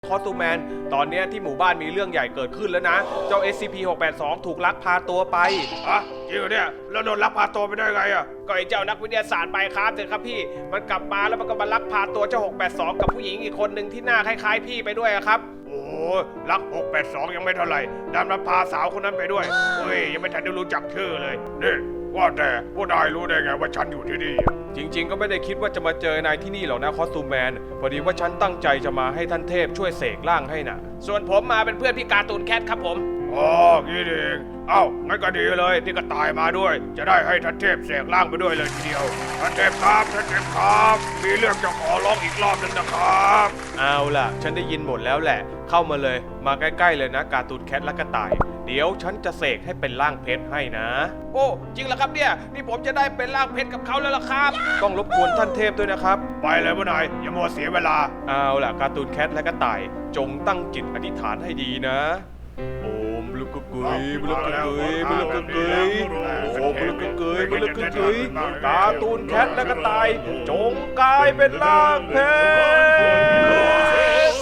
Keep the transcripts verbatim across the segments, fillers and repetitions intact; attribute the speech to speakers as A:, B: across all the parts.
A: คอสตูแมนตอนนี้ที่หมู่บ้านมีเรื่องใหญ่เกิดขึ้นแล้วนะเจ้า เอส ซี พี หกแปดสอง ถูกลักพาตัวไปอ่ะจริงเหรอเนี่ยแล้วโดนลักพาตัวไปได้ไงอ่ะก็ไอ้เจ้านักวิทยาศาสตร์ไปครับเถอะครับพี่มันกลับมาแล้วมันก็มาลักพาตัวเจ้าหกแปดสองกับผู้หญิงอีกคนหนึ่งที่หน้าคล้ายๆพี่ไปด้วยครับโอ้ลักหกแปดสองยังไม่เท่าไหร่ดันมาพาสาวคนนั้นไปด้วยเฮ้ยยังไม่ทันได้รู้จักชื่อเลยนี่ว่าแต่พวกนายรู้ได้ไงว่าฉันอยู่ที่นี่จริงๆก็ไม่ได้คิดว่าจะมาเจอนายที่นี่หรอกนะคอสตูมแมนพอดีว่าฉันตั้งใจจะมาให้ท่านเทพช่วยเสกร่างให้นะส่วนผมมาเป็นเพื่อนพี่การ์ตูนแคทครับผมอ๋องี้เองเอ้างั้นก็ดีเลยที่ก็ตายมาด้วยจะได้ให้ท่านเทพเสกร่างไปด้วยเลยทีเดียวท่านเทพครับท่านเทพครับมีเรื่องจะขอร้องอีกรอบนึงนะครับเอาล่ะฉันได้ยินหมดแล้วแหละเข้ามาเลยมาใกล้ๆเลยนะการ์ตูนแคทและกระต่ายเดี๋ยวฉันจะเสกให้เป็นร่างเพชรให้นะโอ้จริงเหรอครับเนี่ยนี่ผมจะได้เป็นร่างเพชรกับเขาแล้วล่ะครับต้องรบกวนท่านเทพด้วยนะครับไปเลยพ่อนายอย่ามัวเสียเวลาเอาล่ะการ์ตูนแคทและกระต่ายจงตั้งจิตอธิษฐานให้ดีนะโอมบลุกกึกยบลุกกึกยบลุกกึกยโอ้บลุกกึกยบลุกกึกยการ์ตูนแคทและกระต่ายจงกลายเป็นร่างเพชร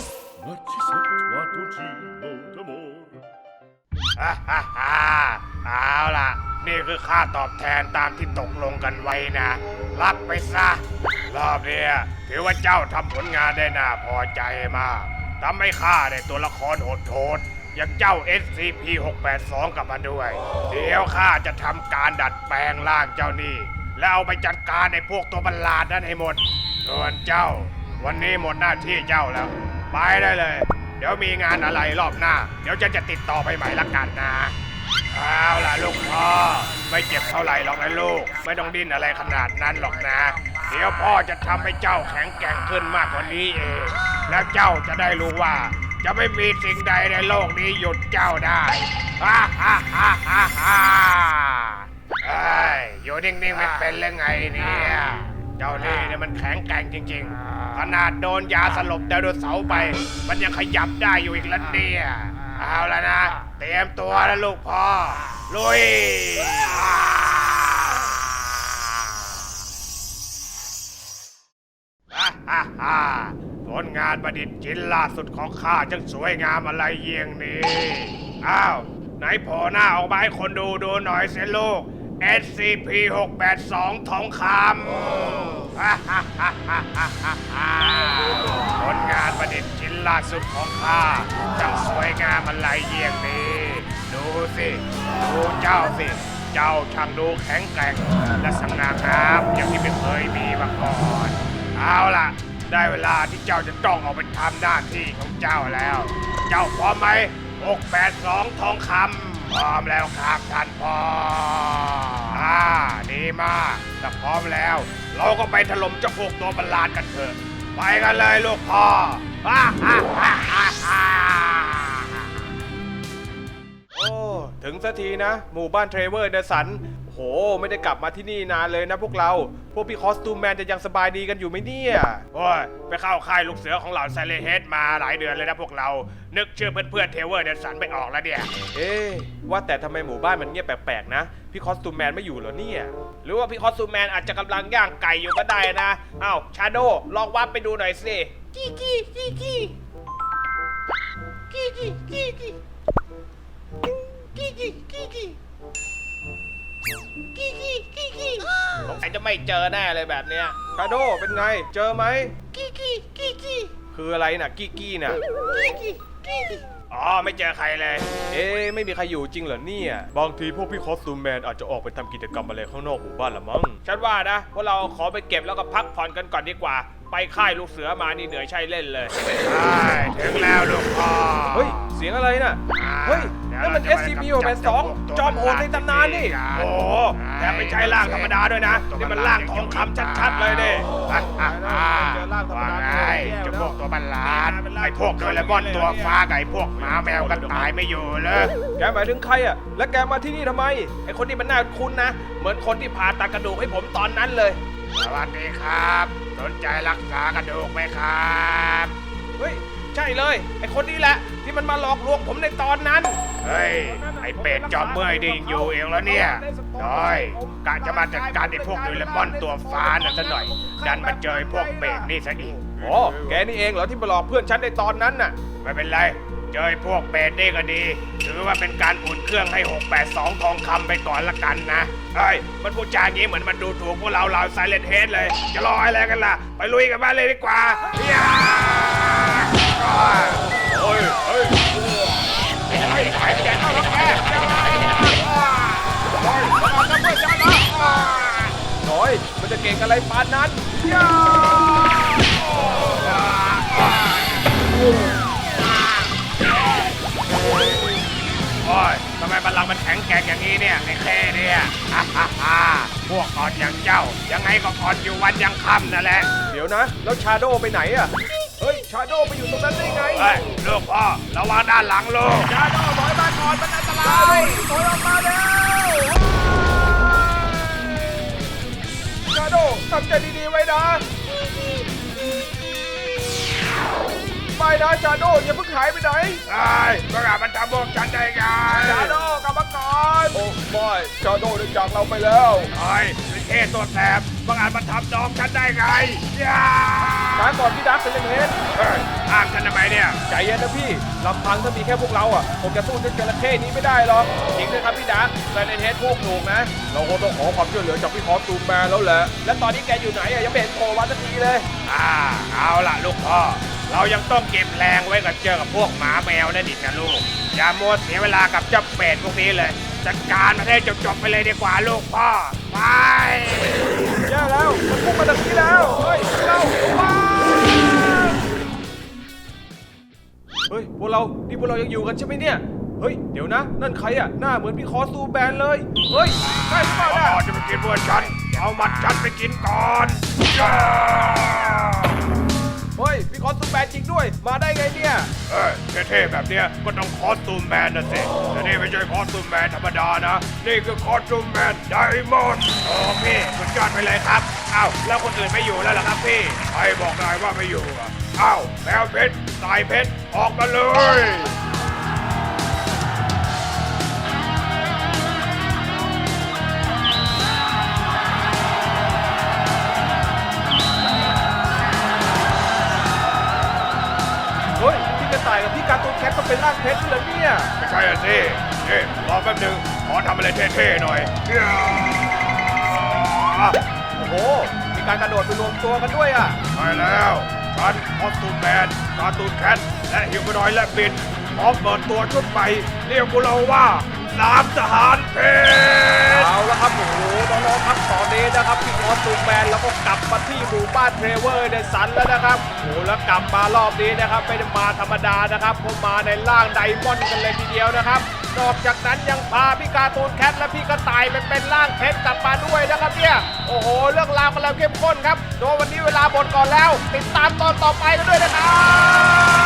A: ฮ่าฮ่าฮ่าเอาล่ะนี่คือค่าตอบแทนตามที่ตกลงกันไว้นะรับไปซะรอบนี้ถือว่าเจ้าทำผลงานได้น่าพอใจมากทำให้ข้าได้ตัวละครโหดๆอย่างเจ้า เอส ซี พี หกแปดสอง กลับมาด้วยเดี๋ยวข้าจะทำการดัดแปลงร่างเจ้านี่แล้วเอาไปจัดการในพวกตัวประหลาดนั้นให้หมดส่วนเจ้าวันนี้หมดหน้าที่เจ้าแล้วไปได้เลยเดี๋ยวมีงานอะไรรอบหน้าเดี๋ยวจะจะติดต่อไปใหม่ละกันนะเอาล่ะลูกพ่อไม่เจ็บเท่าไหร่หรอกนะลูกไม่ต้องดิ้นอะไรขนาดนั้นหรอกนะเดี๋ยวพ่อจะทำให้เจ้าแข็งแกร่งขึ้นมากกว่านี้เองแล้วเจ้าจะได้รู้ว่าจะไม่มีสิ่งใดในโลกนี้หยุดเจ้าได้ฮ่าฮ่าฮ่าฮ่าฮ่าเอ้ยอยู่นิ่งๆไม่เป็นเลยไงเนี่ยเจ้านี่เนี่ยมันแข็งแกร่งจริงๆขนาดโดนยาสลบไดโนเสาร์ไปมันยังขยับได้อยู่อีกแล้วเนี่ยเอาแล้วนะเตรียมตัวแล้วลูกพ่อลุยฮ่าฮ่าฮ่าผลงานประดิษฐ์ชิ้นล่าสุดของข้าจังสวยงามอะไรเยี่ยงนี้อ้าวไหนโผล่หน้าออกมาให้คนดูดูหน่อยสิลูก เอส ซี พี หกแปดสอง ทองคำฮ่าฮ่าฮ่าฮ่าฮ่าฮ่าผลงานประดิษฐ์ชิ้นล่าสุดของข้าจังสวยงามอะไรเยี่ยงนี้ดูสิดูเจ้าสิเจ้าช่างดูแข็งแกร่งและสง่างามอย่างที่ไม่เคยมีมาก่อนเอาล่ะได้เวลาที่เจ้าจะต้องออกไปทำหน้าที่ของเจ้าแล้วเจ้าพร้อมไหมหกแปดสองทองคำพร้อมแล้วครับท่านพ่ออ่าดีมากถ้าพร้อมแล้วเราก็ไปถล่มเจ้าพวกตัวประหลาดกันเถอะไปกันเลยลูกพ่อฮ่าฮ่าฮ่าฮ่าฮ่าโอ้ถึงสักทีนะหมู่บ้านเทรเวอร์เดสันโหไม่ได้กลับมาที่นี่นานเลยนะพวกเราพวกพี่คอสตูมแมนจะยังสบายดีกันอยู่ไหมเนี่ยโอ้ยไปเข้าค่ายลูกเสือของเหล่าไซเลเฮดมาหลายเดือนเลยนะพวกเรานึกชื่อเพื่อนๆเทเวอร์เดสันไม่ออกแล้วเนี่ยเอ๊ะว่าแต่ทำไมหมู่บ้านมันเงียบแปลกๆนะพี่คอสตูมแมนไม่อยู่เหรอเนี่ยหรือว่าพี่คอสตูมแมนอาจจะกำลังย่างไก่อยู่ก็ได้นะอ้าวชาโดลองวับไปดูหน่อยสิกี้กี้กี้กี้กี้กี้กี้กี้กี้กี้กี้กี้กี้กี้กี้กี้สงสัยจะไม่เจอแน่เลยแบบเนี้ยชาโดเป็นไงเจอไหมกี้กี้กี้กี้คืออะไรน่ะกี้กี้น่ะกี้กี้กี้กี้อ๋อไม่เจอใครเลยเอ๊ะไม่มีใครอยู่จริงเหรอเนี่ยบางทีพวกพี่คอสตูมแมนอาจจะออกไปทำกิจกรรมอะไรข้างนอกหมู่บ้านละมั้งฉันว่านะพวกเราขอไปเก็บแล้วก็พักผ่อนกันก่อนดีกว่าไปค่ายลูกเสือมานี่เหนื่อยใช่เล่นเลยใช่ถึงแล้วลูกพ่อเฮ้ยเสียงอะไรน่ะเฮ้ยนั่นมัน เอส ซี พี หกแปดสอง จอมโหดในตำนานนี่โอ้แต่ไม่ใช่ร่างธรรมดาด้วยนะนี่มันร่างทองคำชัดๆเลยดิเจอร่างธรรมดาจะพวกตัวบัลลาดไอ้พวกโดเรมอนตัวฟ้าไก่พวกหมาแมวกันตายไม่อยู่เลยแกหมายถึงใครอ่ะแล้วแกมาที่นี่ทำไมไอ้คนที่มันน่าคุ้นนะเหมือนคนที่ผ่าตัดกระดูกให้ผมตอนนั้นเลยสวัสดีครับสนใจรักษากระดูกไหมครับเฮ้ยใช่เลยไอ้คนนี้แหละที่มันมาหลอกลวงผมในตอนนั้นเฮ้ยไอ้เป็ดจอมเมื่อยดิงอยู่เองแล้วเนี่ยน้อยกะจะมาจัดการไอ้พวกโดเรมอนตัวฟ้านั่นซะหน่อยดันมาเจอพวกเบรกนี่ซะอีกอ๋อแกนี่เองเหรอที่มาหลอกเพื่อนฉันในตอนนั้นน่ะไม่เป็นไรเจอพวกเป็ดนี่ก็ดีถือว่าเป็นการอุ่นเครื่องให้หกแปดสองทองคำไปก่อนละกันนะเฮ้ยมันพูดจาอย่างนี้เหมือนมันดูถูกพวกเราเราไซเลนเฮดเลยจะรออะไรกันล่ะไปลุยกันบ้านเลยดีกว่าย่าโอ้ยเฮ้ยไอ้ไอ้แกเข้าแล้วแกโอ้ยมันเอาเพื่อนฉันละน้อยมันจะเก่งอะไรปานนั้นย่าโอ้ยทำไมบัลลังก์มันแข็งแกร่งอย่างนี้เนี่ยไอ้แค่เนี่ยฮ่าฮ่าฮ่าพวกอ่อนอย่างเจ้ายังไงก็อ่อนอยู่วันยังค่ำนั่นแหละเดี๋ยวนะแล้วชาโดไปไหนอะเฮ้ยชาโดไปอยู่ตรงนั้นได้ไงเฮ้ยลูกพ่อระวังด้านหลังลูกชาโดถอยมาก่อนมันอันตรายถอยออกมาแล้วชาโดทำใจดีๆไว้นะไม่นะชาโดอย่าเพิ่งหายไปไหนไอ้เมื่อไหร่มันทำพวกฉันได้ไงชาโดกลับมาก่อนโอ้ไม่ชาโดได้จากเราไปแล้วไอ้เป็นเทตัวแสบเมื่อไหร่มันทำน้องฉันได้ไงย่าช้าก่อนพี่ดักเป็นยังไงเฮ้ยอ้างกันทำไมเนี่ยใจเย็นนะพี่ลำพังถ้ามีแค่พวกเราอ่ะผมจะสู้เจ้าจระเข้นี้ไม่ได้หรอกจริงด้วยครับพี่ดักไซเลนเฮดพูดถูกนะเราคงต้องขอความช่วยเหลือจากพี่คอสตูมแมนแล้วแหละและตอนนี้แกอยู่ไหนอ่ะยังไม่เห็นโผล่มาสักทีเลยอ่าเอาล่ะลูกพ่อเรายังต้องเก็บแรงไว้กับเจอกับพวกหมาแมวนั่นอีกนะลูกอย่ามัวเสียเวลากับเจ้าเป็ดพวกนี้เลยจัดการมันให้จบๆไปเลยดีกว่าลูกพ่อไปแย่แล้วมันพุ่งมาตรงนี้แล้วเฮ้ยเราไปเฮ้ยพวกเรานี่พวกเรายังอยู่กันใช่ไหมเนี่ยเฮ้ยเดี๋ยวนะนั่นใครอ่ะหน้าเหมือนพี่คอสตูมแบนเลยเฮ้ยใช่หรือเปล่าเนี่ยจะไปกินพวกฉันเอามัดฉันไปกินก่อนเฮ้ยพี่คอสตูมแมนจริงด้วยมาได้ไงเนี่ยเอ้ยเท่ๆแบบเนี้ยก็ต้องคอสตูมแมนนะสิแต่นี่ไม่ใช่คอสตูมแมนธรรมดานะนี่คือคอสตูมแมนไดมอนด์โอ้พี่สุดยอดไปเลยครับอ้าวแล้วคนอื่นไม่อยู่แล้วเหรอครับพี่ใครบอกนายว่าไม่อยู่อ่ะอ้าวแมวเพชรสายเพชรออกมาเลยเฮ้ยพี่กระต่ายกับพี่การ์ตูนแคทก็เป็นร่างเพชรเลยเนี่ยไม่ใช่อ่ะสิเอ๊ะรอแป๊บนึงขอทำอะไรเท่ๆหน่อยโอ้โหมีการกระโดดไปรวมตัวกันด้วยอ่ะใช่แล้วฉันคอสตูมแมนการ์ตูนแคทและฮิวแมนอยด์และบินพร้อมเปิดตัวชุดใหม่เรียกพวกเราว่าสามทหารเพชรเอาละครับโอ้โหน้องๆครับตอนนี้นะครับพี่คอสตูมแมนแล้วก็กลับมาที่หมู่บ้านเทรเวอร์ในสันแล้วนะครับโอ้แล้วกลับมารอบนี้นะครับไม่ได้มาธรรมดานะครับผมมาในร่างไดมอนด์กันเลยทีเดียวนะครับนอกจากนั้นยังพาพี่การ์ตูนแคทและพี่กระต่ายไปเป็นร่างเพชรกลับมาด้วยนะครับเนี่ยโอ้โหเรื่องราวกันแล้วเข้มข้นครับโดยวันนี้เวลาหมดก่อนแล้วติดตามตอนต่อไปกันด้วยนะครับ